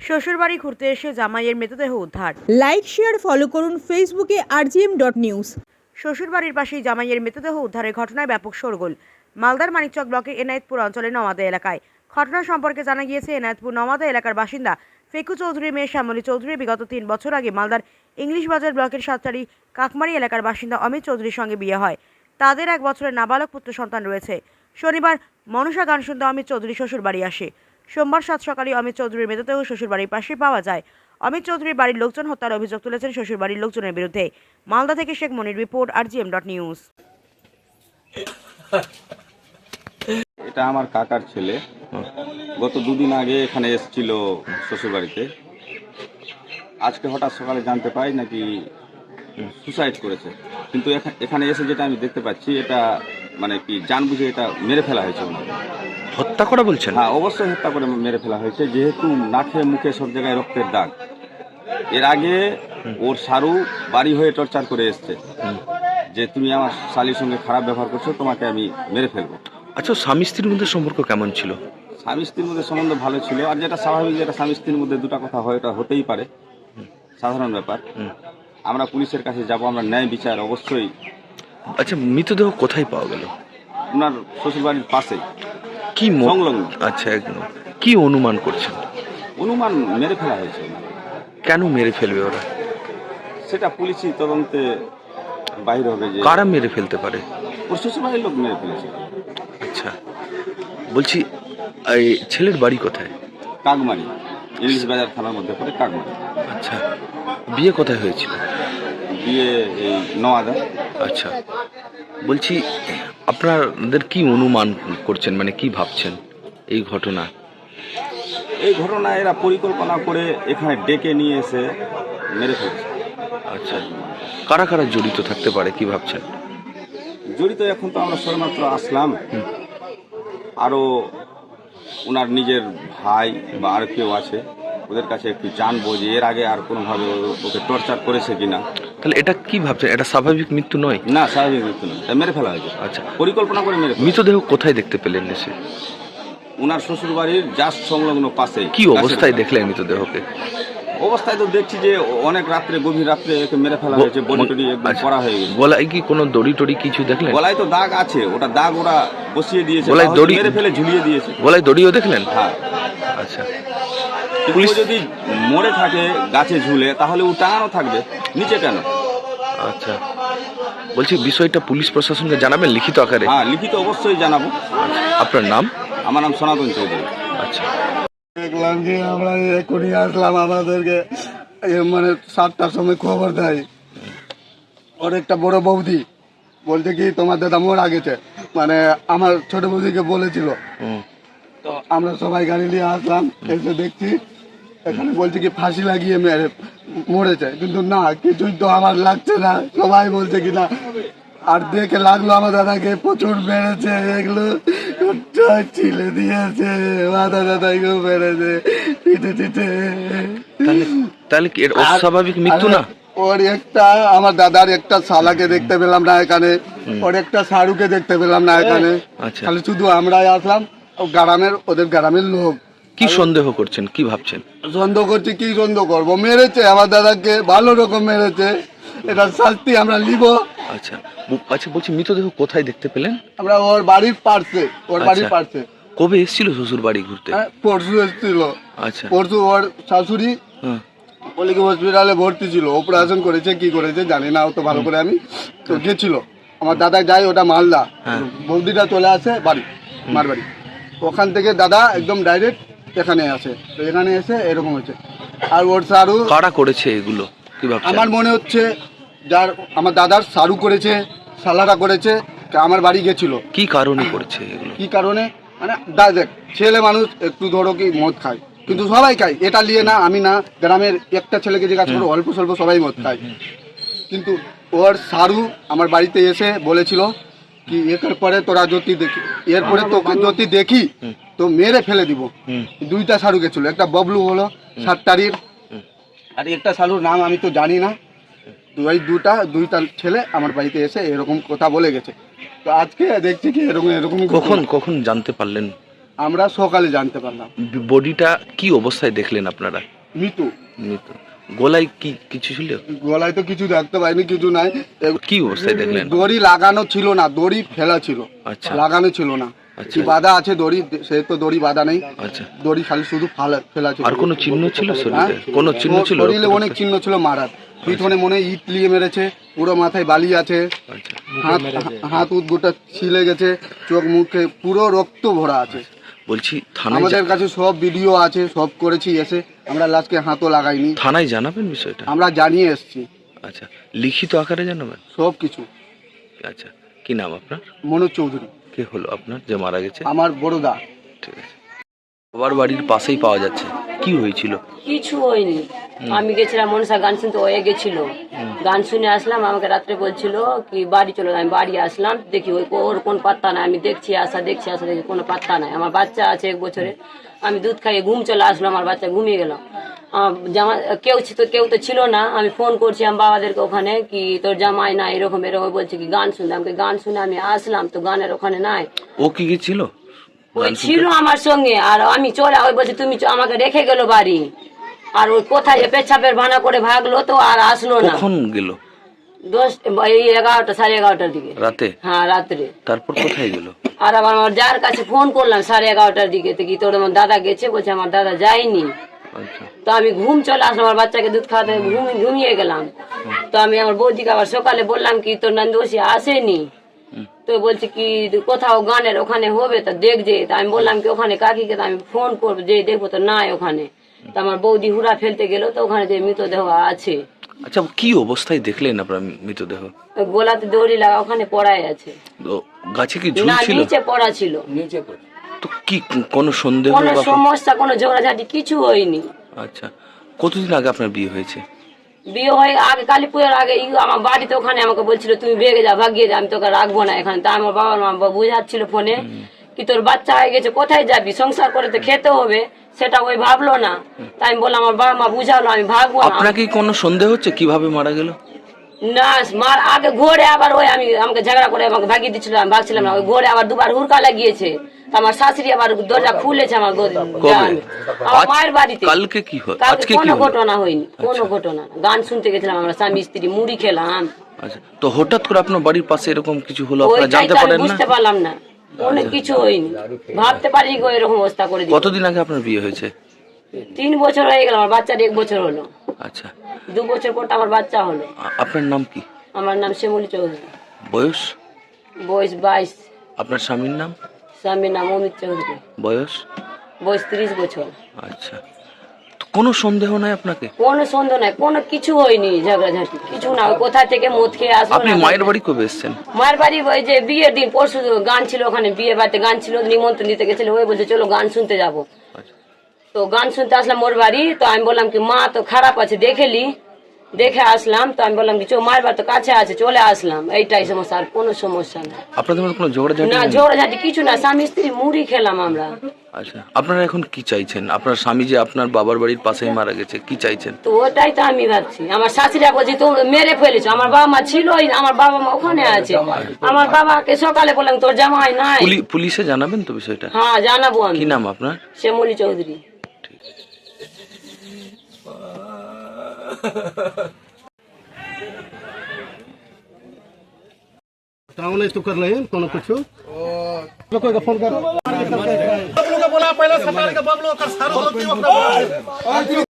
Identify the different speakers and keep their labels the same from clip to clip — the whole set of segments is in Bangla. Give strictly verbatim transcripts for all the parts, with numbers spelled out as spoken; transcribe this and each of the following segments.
Speaker 1: শ্বশুরবাড়ি ঘুরতে এসে জামাইয়ের মৃতদেহ উদ্ধার।
Speaker 2: লাইক শেয়ার ফলো করুন ফেসবুকে আরজিএম ডট নিউজ।
Speaker 1: শ্বশুরবাড়ির পাশেই জামাইয়ের মৃতদেহ উদ্ধারের ঘটনায় ব্যাপক শোরগোল মালদার মানিকচক ব্লকের এনায়েতপুর অঞ্চলের নওয়াদা এলাকায়। ঘটনা সম্পর্কে জানা গিয়েছে, এনায়েতপুর নওয়াদা এলাকার বাসিন্দা ফেকু চৌধুরীর মেয়ে শ্যামলী চৌধুরী বিগত তিন বছর আগে মালদার ইংলিশ বাজার ব্লকের সাতটারি কাকমারি এলাকার বাসিন্দা অমিত চৌধুরীর সঙ্গে বিয়ে হয়। তাদের এক বছরের নাবালক পুত্র সন্তান রয়েছে। শনিবার মনসা গান শুনতে অমিত চৌধুরী শ্বশুরবাড়ি আসে। সোমবার সাত সকালে অমিত চৌধুরীর মৃতদেহ শ্বশুরবাড়ির পাশে পাওয়া যায়। অমিত চৌধুরীর বাড়ির লোকজন হত্যার অভিযোগ তুলেছেন শ্বশুরবাড়ির লোকজনের বিরুদ্ধে। মালদা থেকে Sheikh Monir report, RGM dot news.
Speaker 3: এটা আমার কাকার ছেলে। গত দুদিন আগে এখানে এসেছিল শ্বশুরবাড়িতে। আজকে হঠাৎ সকালে জানতে পাই নাকি সুসাইড করেছে, কিন্তু এখানে এসে যেটা আমি দেখতে পাচ্ছি এটা মানে কি জানবুঝে এটা মেরে ফেলা হয়েছে।
Speaker 4: হত্যা করা বলছেন?
Speaker 3: হ্যাঁ, অবশ্যই হত্যা করে মেরে ফেলা হয়েছে, যেহেতু নাকে মুখে সব জায়গায় রক্তের দাগ। এর আগে ওর সারু বাড়ি হয়ে টর্চার করে এসছে যে তুমি আমার শালির সঙ্গে খারাপ ব্যবহার করছো, তোমাকে আমি মেরে ফেলবো।
Speaker 4: আচ্ছা, স্বামী স্ত্রীর মধ্যে সম্পর্ক কেমন ছিল?
Speaker 3: স্বামী স্ত্রীর মধ্যে সম্বন্ধ ভালো ছিল, আর যেটা স্বাভাবিক, যেটা স্বামী স্ত্রীর মধ্যে দুটা কথা হয় এটা হতেই পারে, সাধারণ ব্যাপার। আমরা পুলিশের কাছে যাব, আমরা ন্যায় বিচার অবশ্যই।
Speaker 4: আচ্ছা, মৃতদেহ কোথায় পাওয়া গেল?
Speaker 3: ওনার শ্বশুরবাড়ির পাশেই,
Speaker 4: কি
Speaker 3: সংলগ্ন।
Speaker 4: আচ্ছা, একদম কি অনুমান করছেন?
Speaker 3: অনুমান মেরে ফেলা হয়েছে।
Speaker 4: কেন মেরে ফেলবে ওরা?
Speaker 3: সেটা পুলিশি তদন্তে বাইরে হবে যে
Speaker 4: কারা মেরে ফেলতে পারে।
Speaker 3: ওর শ্বশুরবাড়ির লোক মেরে ফেলেছে।
Speaker 4: আচ্ছা, বলছি এই ছেলের বাড়ি কোথায়?
Speaker 3: কাকমারি, ইংলিশ বাজার থানার মধ্যে পড়ে কাকমারি।
Speaker 4: আচ্ছা, বিয়ে কোথায় হয়েছিল?
Speaker 3: বিয়ে এই নওয়াদা।
Speaker 4: আচ্ছা, বলছি আপনাদের কি অনুমান করছেন, মানে কি ভাবছেন এই ঘটনা?
Speaker 3: এই ঘটনা এরা পরিকল্পনা করে এখানে ডেকে নিয়ে এসে মেরে ফেলছে।
Speaker 4: আচ্ছা, কারা কারা জড়িত থাকতে পারে কি ভাবছেন?
Speaker 3: জড়িত এখন তো আমরা সবেমাত্র আসলাম, আরও ওনার নিজের ভাই বা আর কেউ আছে, ওদের কাছে একটু জানবো যে এর আগে আর কোনোভাবে ওকে টর্চার করেছে কিনা।
Speaker 4: তাহলে এটা কি ভাবছেন, এটা স্বাভাবিক মৃত্যু নয়?
Speaker 3: না, স্বাভাবিক মৃত্যু নয়, এটা মেরে ফেলা হয়েছে।
Speaker 4: আচ্ছা,
Speaker 3: পরিকল্পনা করে মেরে ফেলা।
Speaker 4: মৃতদেহ কোথায় দেখতে পেলেন এসে?
Speaker 3: ওনার শ্বশুর বাড়ির জাস্ট সংলগ্ন পাশে।
Speaker 4: কি অবস্থায় দেখলেন মৃতদেহকে?
Speaker 3: অবস্থায় তো দেখছি যে অনেক রাত্রে, গভীর রাত্রে একে মেরে ফেলা হয়েছে, বডি টডি একদম করা হয়ে গেছে।
Speaker 4: গলায় কি কোনো দড়ি টড়ি কিছু দেখলেন?
Speaker 3: গলায় তো দাগ আছে, ওটা দাগ ওরা বসিয়ে দিয়েছে,
Speaker 4: গলায় দড়ি
Speaker 3: মেরে ফেলে ঝুলিয়ে দিয়েছে।
Speaker 4: গলায় দড়িও দেখলেন?
Speaker 3: হ্যাঁ।
Speaker 4: আচ্ছা,
Speaker 3: পুলিশ যদি মরে থাকে গাছে ঝুলে, তাহলে ও টাঙানো থাকবে, নিচে কেন?
Speaker 4: আচ্ছা, বলছি বিষয়টা পুলিশ প্রশাসনকে জানাবেন লিখিত আকারে?
Speaker 3: হ্যাঁ, লিখিত অবশ্যই জানাবো।
Speaker 4: আপনার নাম?
Speaker 3: আমার নাম সনাতন চৌধুরী।
Speaker 4: আচ্ছা,
Speaker 5: দেখলাম কি আমরা এখনই আসলাম, আমাদেরকে মানে সাতটার সময় খবর দেয় ওর একটা বড় বৌদি, বলছে কি তোমার দাদা মারা গেছে, মানে আমার ছোট বৌদিকে বলেছিল। তো আমরা সবাই গাড়ি নিয়ে আসলাম, এসে দেখছি এখানে বলছে কি ফাঁসি লাগিয়ে মেরে মরেছে, কিন্তু না, কিছুই তো আমার লাগছে না। সবাই বলছে কি না, আর দেখে লাগলো আমার দাদাকে প্রচুর মেরেছে, এগুলো ছিলে দিয়েছে, মাথা দাদাকেও মেরেছে পিঠে পিঠে।
Speaker 4: তাহলে কি এর অস্বাভাবিক মৃত্যু না?
Speaker 5: ওর একটা, আমার দাদার একটা শালাকে দেখতে পেলাম না এখানে, ওর একটা সারুকে দেখতে পেলাম না এখানে। তাহলে শুধু আমরাই আসলাম, গ্রামের, ওদের গ্রামের লোক।
Speaker 4: কি সন্দেহ করছেন, কি ভাবছেন?
Speaker 5: সন্দেহ করছি, কি সন্দেহ করবো, মেরেছে আমার দাদাকে, ভালো রকম মেরেছে, এটা শাস্তি আমরা নিব।
Speaker 4: আচ্ছা, আচ্ছা, বলছি মৃতদেহ কোথায় দেখতে পেলেন?
Speaker 5: আমরা ওর বাড়ির পাশে, ওর বাড়ির পাশে।
Speaker 4: কবে এসেছিল শ্বশুর বাড়ি ঘুরতে?
Speaker 5: পরশু এসেছিল।
Speaker 4: আচ্ছা,
Speaker 5: পরশু ওর শাশুড়ি বলে কি হসপিটালে ভর্তি ছিল, অপারেশন করেছে, কি করেছে জানি না অত ভালো করে, আমি তো গেছিল। আমার দাদা যায়, ওটা মালদা, বৌদিটা চলে আসে বাড়ি, মার বাড়ি, ওখান থেকে দাদা একদম ডাইরেক্ট এখানে আসে। তো এখানে এসে এরকম হয়েছে। আর ওর সারু
Speaker 4: কারা করেছে এগুলো কি ভাবছেন?
Speaker 5: আমার মনে হচ্ছে যার, আমার দাদার সারু করেছে, সালারা করেছে, আমার বাড়ি গেছিল।
Speaker 4: কি কারণে করেছে এগুলো?
Speaker 5: কি কারণে মানে দেখ, ছেলে মানুষ একটু ধরো কি মদ খায়, কিন্তু সবাই খায়, এটা নিয়ে না আমি না, গ্রামের একটা ছেলেকে জিজ্ঞাসা করো, অল্প স্বল্প সবাই মদ খায়। কিন্তু ওর সারু আমার বাড়িতে এসে বলেছিল কি এর পরে তোরা যদি দেখি, এরপরে তোকে যদি দেখি তো মেরে ফেলে দিব। দুইটা সারু গেছিল, একটা ববলু হলো সাতটারির, আর একটা সারুর নাম আমি তো জানি না। দুই দুটা দুইটা ছেলে আমার বাড়িতে এসে এরকম কথা বলে গেছে। তো আজকে দেখছি কি এরকম এরকম।
Speaker 4: কখন কখন জানতে পারলেন?
Speaker 5: আমরা সকালে জানতে পারলাম।
Speaker 4: বডিটা কি অবস্থায় দেখলেন আপনারা?
Speaker 5: মৃত্যু।
Speaker 4: মৃত্যু। গলায় কি কিছু ছিল?
Speaker 5: গলায় তো কিছু দেখতে পাইনি, কিছু নাই।
Speaker 4: কি অবস্থায় দেখলেন?
Speaker 5: দড়ি লাগানো ছিল না, দড়ি ফেলা ছিল।
Speaker 4: আচ্ছা।
Speaker 5: লাগানো ছিল না।
Speaker 4: আচ্ছা।
Speaker 5: কি বাঁধা আছে দড়ি, সে তো দড়ি বাঁধা নেই।
Speaker 4: আচ্ছা।
Speaker 5: দড়ি খালি শুধু ফালা- ফেলা ছিল।
Speaker 4: আর কোনো চিহ্ন ছিল শরীরে?
Speaker 5: হ্যাঁ?
Speaker 4: কোনো চিহ্ন ছিল?
Speaker 5: শরীরে অনেক চিহ্ন ছিল মারার। পিছনে মনে হয় ইট লিয়ে মেরেছে, পুরো মাথায় বালি আছে,
Speaker 4: আচ্ছা।
Speaker 5: হাত হাত উত গোটা ছিলে গেছে, চোখ মুখে পুরো রক্ত ভরা আছে।
Speaker 4: বলছি থানায়
Speaker 5: আমাদের
Speaker 4: যা-
Speaker 5: কাছে সব ভিডিও আছে, সব করেছি, এসে আমরা লাস্টকে হাতও লাগাইনি।
Speaker 4: থানায় জানাবেন বিষয়টা?
Speaker 5: আমরা জানিয়ে এসেছি
Speaker 4: আচ্ছা, লিখিত আকারে জানাবেন?
Speaker 5: সব কিছু।
Speaker 4: আচ্ছা, কি নাম আপনার?
Speaker 5: মনোজ চৌধুরী
Speaker 4: কে হলো আপনার যে মারা গেছে?
Speaker 5: আমার বড়দা।
Speaker 4: ঠিক আছে। বাবার বাড়ির পাশেই পাওয়া যাচ্ছে, কি হয়েছিল?
Speaker 6: কিছু হয়নি। আমি গেছিলাম মনসা গান শুনতে, হয়ে গেছিল। গান শুনে আসলাম, আমাকে রাত্রে বলছিল কি বাড়ি চলো। আমি বাড়ি আসলাম, দেখি ওই ওর কোন পাত্তা নাই। আমি দেখছি আসা দেখছি আসা দেখি কোনো পাত্তা নাই। আমার বাচ্চা আছে এক বছরে, আমি দুধ খাইয়ে ঘুম চলে আসলো, আমার বাচ্চা ঘুমিয়ে গেল। আমার জামা কেউ তো কেউ তো ছিল না। আমি ফোন করছি আমার বাবাদেরকে ওখানে, কি তোর জামাই না এরকম এরকম বলছে কি গান শুনতে। আমাকে গান শুনে আমি আসলাম, তো গানের ওখানে নাই।
Speaker 4: ও কি গেছিল?
Speaker 6: ওই ছিল আমার সঙ্গে, আর আমি চলে ওই বলছি তুমি চ- আমাকে রেখে গেল বাড়ি। আর ওই কোথায় যে পেছাপের ভানা করে ভাগলো, তো আর আসলো না।
Speaker 4: কখন গেল?
Speaker 6: দশ এই এগারোটা সাড়ে এগারোটার দিকে।
Speaker 4: রাতে?
Speaker 6: হ্যাঁ রাত্রে।
Speaker 4: তারপর কোথায় গেল?
Speaker 6: আর আবার আমার যার কাছে ফোন করলাম সাড়ে এগারোটার দিকে, তো কি তোর আমার দাদা গেছে, বলছে আমার দাদা যায়নি।
Speaker 4: আচ্ছা।
Speaker 6: তো আমি ঘুম চলে আসলাম, আমার বাচ্চাকে দুধ খাওয়াতে ঘুম ঘুমিয়ে গেলাম। তো আমি আমার বৌদিকে আবার সকালে বললাম কি তোর নন্দোষী আসেনি। তো বলছে কি কোথাও গানের ওখানে হবে, তো দেখ যে। তা আমি বললাম কি ওখানে কাকিকে তো আমি ফোন করবো, যে দেখবো তো নাই ওখানে। তো আমার বৌদি হুড়া ফেলতে গেল, তো ওখানে যে মৃতদেহ আছে।
Speaker 4: আচ্ছা, কি অবস্থায় দেখলেন আপনার মৃতদেহ?
Speaker 6: ওই গোলাতে দড়ি লাগা ওখানে পড়াই আছে।
Speaker 4: তো গাছে কি
Speaker 6: না,
Speaker 4: ঝুলছিল?
Speaker 6: নিচে পড়া ছিল।
Speaker 4: তো কি কোনো সন্দেহ
Speaker 6: কোনো
Speaker 4: বা-
Speaker 6: সমস্যা, কোনো ঝগড়াঝাটি কিছু হয়নি।
Speaker 4: আচ্ছা, কতদিন আগে আপনার বিয়ে হয়েছে?
Speaker 6: বিয়ে হয়ে আগে কালী পুজোর আগে ই আমার বাড়িতে ওখানে আমাকে বলছিল তুমি ভেগে যা, ভাগিয়ে যা, আমি তোকে রাখবো না এখানে। তা আমার বাবার মা বুঝাচ্ছিল ফোনে কি তোর বাচ্চা হয়ে গেছে, কোথায় যাবি, সংসার করে তো খেতে হবে, সেটা ওই ভাবলো না। তাই আমি বললাম আমার বাবা মা বুঝালো আমি ভাগবো না।
Speaker 4: আপনাকে কি কোনো সন্দেহ হচ্ছে কিভাবে মারা গেল?
Speaker 6: না মার আগে ঘোরে আবার ওই আমি আমাকে ঝগড়া করে আমাকে ভাগিয়ে দিচ্ছিল, আমি ভাগছিলাম না। ওই ঘোরে আবার দুবার হুড়কা লাগিয়েছে। তা আমার শাশুড়ি আবার দরজা খুলেছে আমার গো-
Speaker 4: কবে?
Speaker 6: গ্রামে। আমার
Speaker 4: আজ-
Speaker 6: মায়ের বাড়িতে।
Speaker 4: কালকে কি হয়?
Speaker 6: কালকে
Speaker 4: আজকে কি
Speaker 6: কোনো
Speaker 4: হলো?
Speaker 6: ঘটনা হয়নি, কোনো ঘটনা না। গান শুনতে গেছিলাম আমরা স্বামী স্ত্রী, মুড়ি খেলাম।
Speaker 4: আচ্ছা, তো হঠাৎ করে আপনার বাড়ির পাশে এরকম কিছু হলো, আপনারা
Speaker 6: ওইটাই
Speaker 4: জানতে
Speaker 6: তো আমি
Speaker 4: পারেন না?
Speaker 6: বুঝতে পারলাম না, অনেক কিছু হয়নি। ভাবতে পারি গো এরকম অবস্থা করে দিই।
Speaker 4: কতদিন আগে আপনার বিয়ে হয়েছে?
Speaker 6: তিন বছর হয়ে গেল, আমার বাচ্চার এক বছর হলো।
Speaker 4: আচ্ছা,
Speaker 6: দু বছর পর তো আমার বাচ্চা হলো।
Speaker 4: আ- আপনার নাম কি?
Speaker 6: আমার নাম শ্যামলী চৌধুরী,
Speaker 4: বয়স?
Speaker 6: বয়স বাইশ।
Speaker 4: আপনার স্বামীর নাম?
Speaker 6: স্বামীর নাম অমিত চৌধুরী,
Speaker 4: বয়স?
Speaker 6: বয়স ত্রিশ বছর।
Speaker 4: আচ্ছা, তো কোনো সন্দেহ নাই আপনাকে?
Speaker 6: কোনো সন্দেহ নাই, কোনো কিছু হয়নি, ঝগড়াঝাটি কিছু না। ওই কোথা থেকে মদ খেয়ে আসলো
Speaker 4: আপনি
Speaker 6: না।
Speaker 4: মায়ের বাড়ি কবে এসেছেন?
Speaker 6: মায়ের বাড়ি ওই যে বিয়ের দিন, পরশু গান ছিল ওখানে, বিয়ে বাড়িতে গান ছিল, নিমন্ত্রণ দিতে গেছিল। ওই বলছে চলো গান শুনতে যাবো।
Speaker 4: আচ্ছা।
Speaker 6: তো গান শুনতে আসলাম ওর বাড়ি। তো আমি বললাম কি মা তো খারাপ আছে, দেখেলি, দেখে আসলাম। তো আমি বললাম কি চো মায়ের বাড়ি তো কাছে আছে, চলে আসলাম। এইটাই সমস্যা, আর কোনো সমস্যা না।
Speaker 4: আপনাদের মধ্যে কোনো ঝগড়াঝাটি
Speaker 6: না
Speaker 4: নেই?
Speaker 6: ঝগড়াঝাটি কিছু না, স্বামী স্ত্রী মুড়ি খেলাম আমরা।
Speaker 4: আচ্ছা, আপনারা এখন কি চাইছেন? আপনার স্বামী যে আপনার বাবার বাড়ির পাশেই মারা গেছে, কি চাইছেন?
Speaker 6: তো ওটাই তো আমি ভাবছি। আমার শাশুড়া বলছি তো মেরে ফেলেছো, আমার বাবা মা ছিলই না, আমার বাবা মা ওখানে আছে। আমার বাবাকে সকালে বললাম তোর জামাই নাই।
Speaker 4: পুলি- পুলিশে জানাবেন তো বিষয়টা?
Speaker 6: হ্যাঁ জানাবো আমি।
Speaker 4: কি নাম আপনার?
Speaker 6: শ্যামলী চৌধুরী।
Speaker 7: ट्रावल तो कर रहे हैं कोनो कुछ लोगों का फोन करो बोला पहले सरकार के बबलो का सारा गलती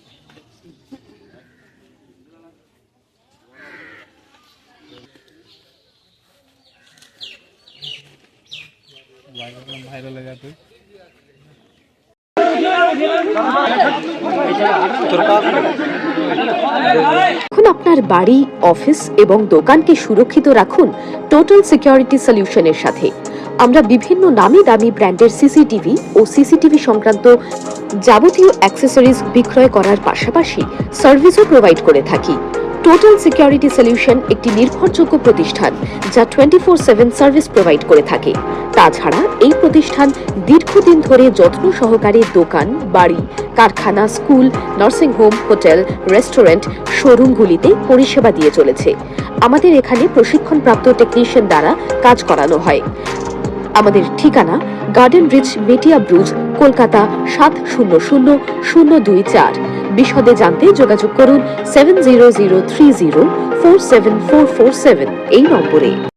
Speaker 7: वायरल है जाते
Speaker 8: এখন আপনার বাড়ি, অফিস এবং দোকানকে সুরক্ষিত রাখুন টোটাল সিকিউরিটি সলিউশনের সাথে। আমরা বিভিন্ন নামি দামি ব্র্যান্ডের সিসিটিভি ও সিসিটিভি সংক্রান্ত যাবতীয় অ্যাক্সেসরিজ বিক্রয় করার পাশাপাশি সার্ভিসও প্রোভাইড করে থাকি। টোটাল সিকিউরিটি সলিউশন একটি নির্ভরযোগ্য প্রতিষ্ঠান যা twenty four seven service provide করে থাকে। তাছাড়া এই প্রতিষ্ঠান দীর্ঘদিন ধরে যত্ন সহকারে দোকান, বাড়ি, কারখানা, school, nursing home, hotel, restaurant, শোরুমগুলিতে পরিষেবা দিয়ে চলেছে। আমাদের এখানে প্রশিক্ষণপ্রাপ্ত টেকনিশিয়ান দ্বারা কাজ করানো হয়। আমাদের ঠিকানা গার্ডেন রিচ, মেটিয়া ব্রুজ, কলকাতা সাত শূন্য শূন্য শূন্য দুই চার। বিশদে জানতে যোগাযোগ করুন seven zero zero three zero four seven four four seven এই নম্বরে।